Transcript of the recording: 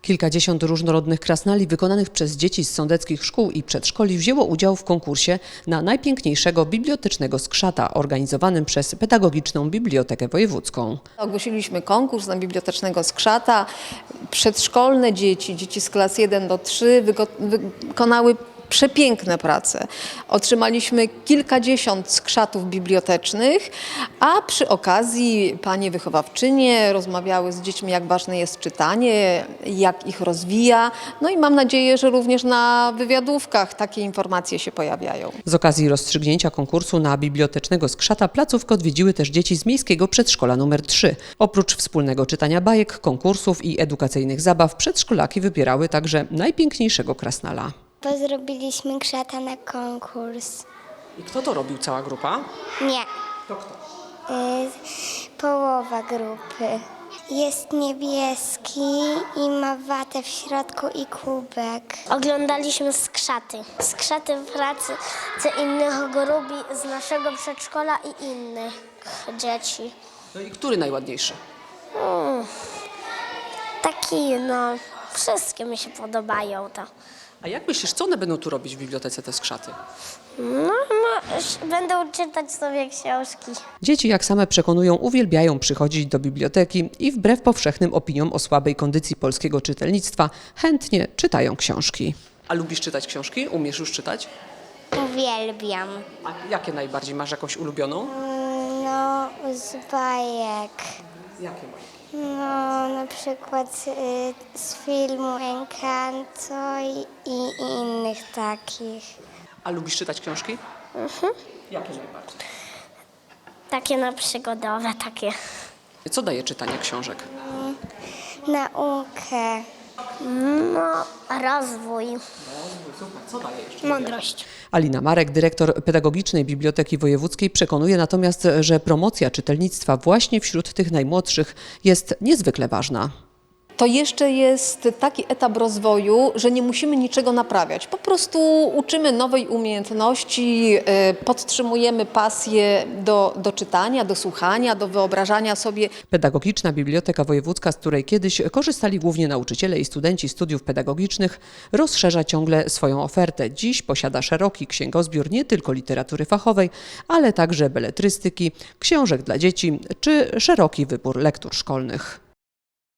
Kilkadziesiąt różnorodnych krasnali wykonanych przez dzieci z sądeckich szkół i przedszkoli wzięło udział w konkursie na najpiękniejszego bibliotecznego skrzata organizowanym przez Pedagogiczną Bibliotekę Wojewódzką. Ogłosiliśmy konkurs na bibliotecznego skrzata. Przedszkolne dzieci z klas 1 do 3 wykonały przepiękne prace. Otrzymaliśmy kilkadziesiąt skrzatów bibliotecznych, a przy okazji panie wychowawczynie rozmawiały z dziećmi, jak ważne jest czytanie, jak ich rozwija. No i mam nadzieję, że również na wywiadówkach takie informacje się pojawiają. Z okazji rozstrzygnięcia konkursu na bibliotecznego skrzata placówkę odwiedziły też dzieci z miejskiego przedszkola nr 3. Oprócz wspólnego czytania bajek, konkursów i edukacyjnych zabaw, przedszkolaki wybierały także najpiękniejszego krasnala. Bo zrobiliśmy krzata na konkurs. I kto to robił? Cała grupa? Nie, To kto? połowa grupy. Jest niebieski i ma watę w środku i kubek. Oglądaliśmy skrzaty. Skrzaty pracy innych grup z naszego przedszkola i innych dzieci. No i który najładniejszy? Wszystkie mi się podobają to. A jak myślisz, co one będą tu robić w bibliotece, te skrzaty? Będą czytać sobie książki. Dzieci, jak same przekonują, uwielbiają przychodzić do biblioteki i wbrew powszechnym opiniom o słabej kondycji polskiego czytelnictwa chętnie czytają książki. A lubisz czytać książki? Umiesz już czytać? Uwielbiam. A jakie najbardziej? Masz jakąś ulubioną? No, z bajek. Jakie bajki? No, na przykład z filmu Encanto i innych takich. A lubisz czytać książki? Jakie najbardziej? Takie przygodowe, takie. Co daje czytanie książek? Naukę. Rozwój. Co daje jeszcze? Mądrość. Alina Marek, dyrektor Pedagogicznej Biblioteki Wojewódzkiej, przekonuje natomiast, że promocja czytelnictwa właśnie wśród tych najmłodszych jest niezwykle ważna. To jeszcze jest taki etap rozwoju, że nie musimy niczego naprawiać. Po prostu uczymy nowej umiejętności, podtrzymujemy pasję do czytania, do słuchania, do wyobrażania sobie. Pedagogiczna Biblioteka Wojewódzka, z której kiedyś korzystali głównie nauczyciele i studenci studiów pedagogicznych, rozszerza ciągle swoją ofertę. Dziś posiada szeroki księgozbiór nie tylko literatury fachowej, ale także beletrystyki, książek dla dzieci czy szeroki wybór lektur szkolnych.